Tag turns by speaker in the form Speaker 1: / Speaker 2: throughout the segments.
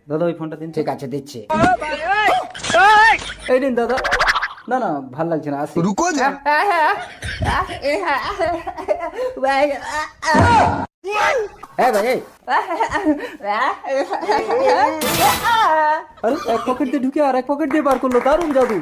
Speaker 1: দাদা ওই ফোনটা দিন।
Speaker 2: ঠিক আছে দিচ্ছি।
Speaker 1: এই দিন দাদা। না না ভাল লাগছে না, আসি।
Speaker 3: रुको जा।
Speaker 2: হ্যাঁ ভাই এই।
Speaker 1: আরে এক পকেট দিয়ে ঢুকে আর এক পকেট দিয়ে বার করলো, দারুণ জাদু।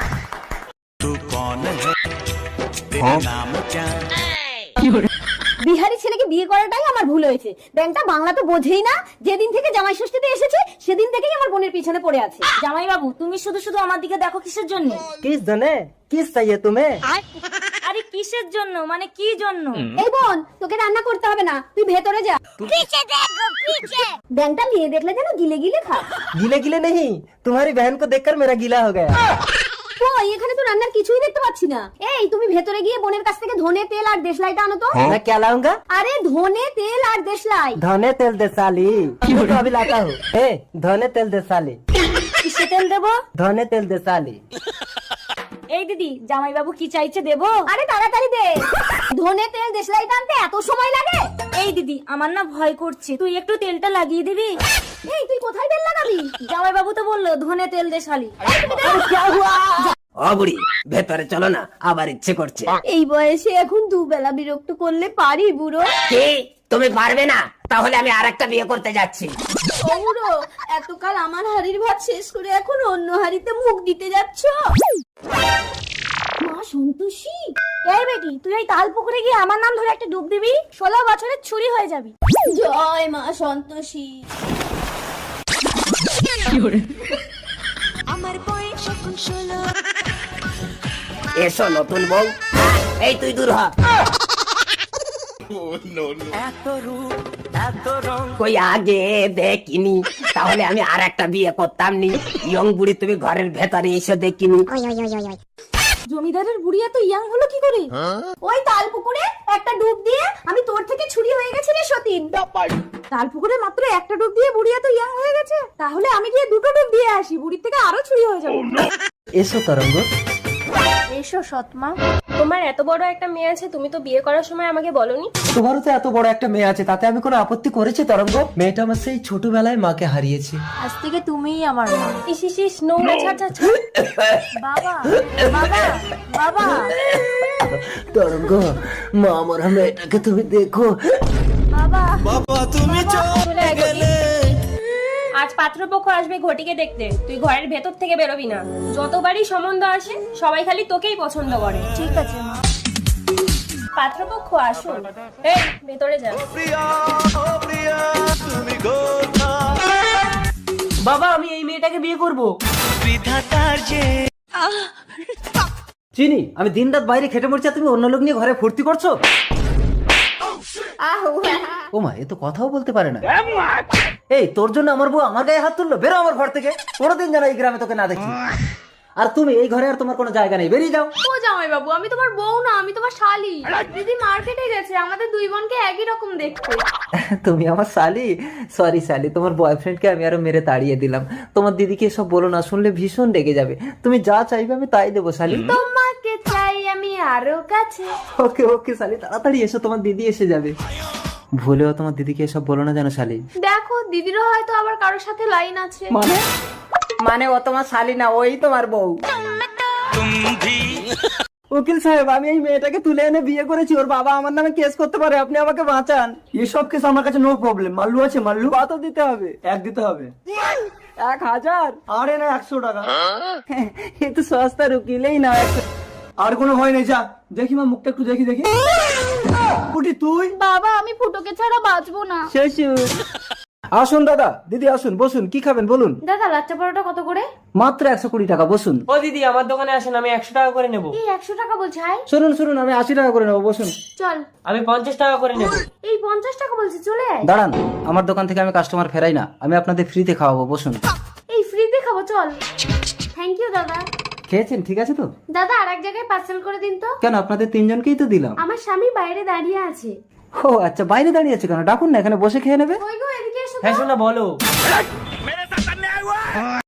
Speaker 4: বিহারি ছেলেকে বিয়ে করাটাই আমার ভুল হয়েছে। ব্যাংকটা বাংলা তো বোঝেই না। যেদিন থেকে জামাই ষষ্ঠীতে এসেছে সেদিন থেকেই আমার বোনের পিছনে পড়ে আছে।
Speaker 5: জামাই বাবু, তুমি শুধু শুধু আমার দিকে দেখো কিসের জন্য?
Speaker 1: কিস জানে কিস চাইয়ে তুমি?
Speaker 5: আরে কিসের জন্য মানে কি জন্য?
Speaker 4: এই বোন, তোকে রান্না করতে হবে না, তুই ভেতরে যা। ব্যাংকটা মেয়ে দেখলে যেন গিলে গিলে খা।
Speaker 1: গিলে গিলে नहीं, तुम्हारी बहन को देखकर मेरा गीला हो गया।
Speaker 4: কই, এখানে তো রান্নার কিছুই দেখতে পাচ্ছি না। এই তুমি ভেতরে গিয়ে বোনের কাছ থেকে ধনে তেল আর দেশলাইটা আনো তো।
Speaker 1: मैं क्या लाऊंगा?
Speaker 4: আরে ধনে তেল আর দেশলাই।
Speaker 1: धने तेल दे साली। मैं तो अभी लाता हूँ। ए धने तेल दे साली।
Speaker 5: কিসে তেল দেবো?
Speaker 1: धने तेल दे साली।
Speaker 5: এই দিদি, জামাই বাবু কি চাইছে দেবো?
Speaker 4: আরে তাড়াতাড়ি দে। ধনে তেল দেশলাইটা আনতে এত সময় লাগে?
Speaker 5: এই দিদি, আমার না ভয় করছে, তুই একটু তেলটা লাগিয়ে দিবি।
Speaker 4: এই তুই কোথায় তেল লাগাবি?
Speaker 5: জামাই বাবু তো বললো ধনে তেল দে শালি।
Speaker 2: ও বুড়ি ভেতরে চলো না, আবার ইচ্ছে করছে।
Speaker 4: এই বয়সে এখন দুবেলা বিরক্ত করলে পারি বুড়ো?
Speaker 2: কি তুমি পারবে না? তাহলে আমি আরেকটা বিয়ে করতে যাচ্ছি।
Speaker 4: ও বুড়ো, এতকাল আমার হাড়ির ভাত শেষ করে এখন অন্য হাড়িতে মুখ দিতে যাচ্ছ? মা সন্তোষী।
Speaker 5: এই বেটি, তুই এই তাল পুকুরে গিয়ে আমার নাম ধরে একটা ডুব দিবি, 16 বছরের ছুরি হয়ে যাবি।
Speaker 4: জয় মা সন্তোষী।
Speaker 2: এসো নতুন বউ। এই তুই দূর হ। কই আগে দেখিনি, তাহলে আমি আর একটা বিয়ে করতাম নি। ইয়ং বুড়ি তুমি ঘরের ভেতরে এসে দেখিনি।
Speaker 4: জমিদারের বুড়ি এত ইয়াং হলো কি করে? ওই তাল পুকুরে একটা ডুব দিয়ে আমি তোর থেকে ছুরি হয়ে গেছি রে সতীন। তাল পুকুরে মাত্র একটা ডুব দিয়ে বুড়ি এত ইয়াং হয়ে গেছে? তাহলে আমি গিয়ে দুটো ডুব দিয়ে আসি, বুড়ির থেকে আরো ছুরি হয়ে যাবে।
Speaker 1: এসো তরঙ্গ।
Speaker 5: এসো সৎমা। তোমার এত বড় একটা মেয়ে আছে, তুমি তো বিয়ে করার সময় আমাকে বলনি।
Speaker 1: তোমারও তো এত বড় একটা মেয়ে আছে, তাতে আমি কোনো আপত্তি করেছি তরঙ্গ? মেয়েটা আমার সেই ছোটবেলায় মাকে হারিয়েছে।
Speaker 5: আজ থেকে তুমিই আমার মা। ইস ইস ইস, নোংরা ছাড় ছাড় ছাড়। বাবা বাবা বাবা।
Speaker 1: তরঙ্গ মা আমার মেয়েটাকে তুমি দেখো।
Speaker 5: বাবা তুমি চলে গেলে। আজ পাত্রপক্ষ আসবে ঘটিকে দেখতে, তুই ঘরের ভেতর থেকে বেরোবি না। যতবারই সম্বন্ধ আসে সবাই খালি তোকেই পছন্দ করে। ঠিক আছে মা। পাত্রপক্ষ আসুন। এই ভেতরে যা।
Speaker 1: বাবা আমি এই মেয়েটাকে বিয়ে করব। চিনি, আমি দিন রাত বাইরে খেটে মরছি, তুমি অন্য লোক নিয়ে ঘরে ফুর্তি করছো। ও মা, এ তো কথাও বলতে পারে না। এই তোর জন্য আমার বউ আমার গায়ে হাত তুললো, বেরো আমার ঘর থেকে। কোনোদিন যেন এই গ্রামে তোকে না দেখি। আর তুমি এই ঘরে আর তোমার কোনো জায়গা নেই, বেরিয়ে যাও।
Speaker 4: ও জামাই বাবু, আমি তোমার বউ না, আমি তোমার শালি। দিদি মার্কেটে গেছে, আমাদের দুই বোনকে একই রকম দেখতে।
Speaker 1: তুমি আমার শালি? সরি শালি, তোমার বয়ফ্রেন্ডকে আমি আরো মেরে তাড়িয়ে দিলাম। তোমার দিদিকে এসব বলো না, শুনলে ভীষণ রেগে যাবে। তুমি যা চাইবে আমি তাই দেবো শালি।
Speaker 4: তোমাকে চাই আমি আরো কাছে।
Speaker 1: ওকে ওকে শালি, তাড়াতাড়ি এসো, তোমার দিদি এসে যাবে। ভুলেও তোমার দিদিকে এসব বলো না জানো শালি।
Speaker 4: দেখো, দিদিরও হয়তো আবার কারোর সাথে লাইন আছে।
Speaker 1: মানে ও তোমার শালি না, ওই তোমার বউ। উকিল সাহেব, আমি এই মেয়েটাকে তুলে এনে বিয়ে করেছি, ওর বাবা আমার নামে কেস করতে পারে, আপনি আমাকে বাঁচান।
Speaker 6: এসব কেস আমার কাছে নো প্রবলেম। মাল্লু আছে, মাল্লু।
Speaker 1: কত দিতে হবে?
Speaker 6: এক দিতে হবে।
Speaker 1: 1000?
Speaker 6: আরে না, 100 টাকা।
Speaker 1: এ তো সস্তার উকিলেই না।
Speaker 6: আর কোনো ভয় নেই, যা দেখি মা, মুখটা একটু দেখি দেখি। পুটি তুই?
Speaker 4: বাবা আমি ফুটোকে ছাড়া বাঁচবো না।
Speaker 1: শ্বশুর। আসুন দাদা, দিদি আসুন, বসুন। কি খাবেন বলুন?
Speaker 4: দাদা লাচ্চা পরোটা কত করে?
Speaker 1: মাত্র 120 টাকা, বসুন।
Speaker 7: ও দিদি, আমার দোকানে আসেন, আমি 100 টাকা করে নেব।
Speaker 4: এই 100 টাকা বলছে? হাই
Speaker 1: শুনুন শুনুন, আমি 80 টাকা করে নেবো, বসুন।
Speaker 4: চল।
Speaker 7: আমি 50 টাকা করে নেব।
Speaker 4: এই 50 টাকা বলছে, চলে আয়।
Speaker 1: দাঁড়ান, আমার দোকান থেকে আমি কাস্টমার ফেরাই না, আমি আপনাদের ফ্রিতে খাওয়াবো, বসুন।
Speaker 4: এই ফ্রিতে খাবো, চল। থ্যাংক ইউ দাদা।
Speaker 1: খেয়েছেন ঠিক আছে তো?
Speaker 4: দাদা আর এক জায়গায় পার্সেল করে দিন তো।
Speaker 1: কেন, আপনাদের 3 জনকেই তো দিলাম।
Speaker 4: আমার স্বামী বাইরে দাঁড়িয়ে আছে।
Speaker 1: ও আচ্ছা, বাইরে দাঁড়িয়ে আছে কেন? ডাকুন না, এখানে বসে খেয়ে নেবে।
Speaker 4: ওই গো, এদিকে এসো তো।
Speaker 7: হ্যাঁ শোনা বলো।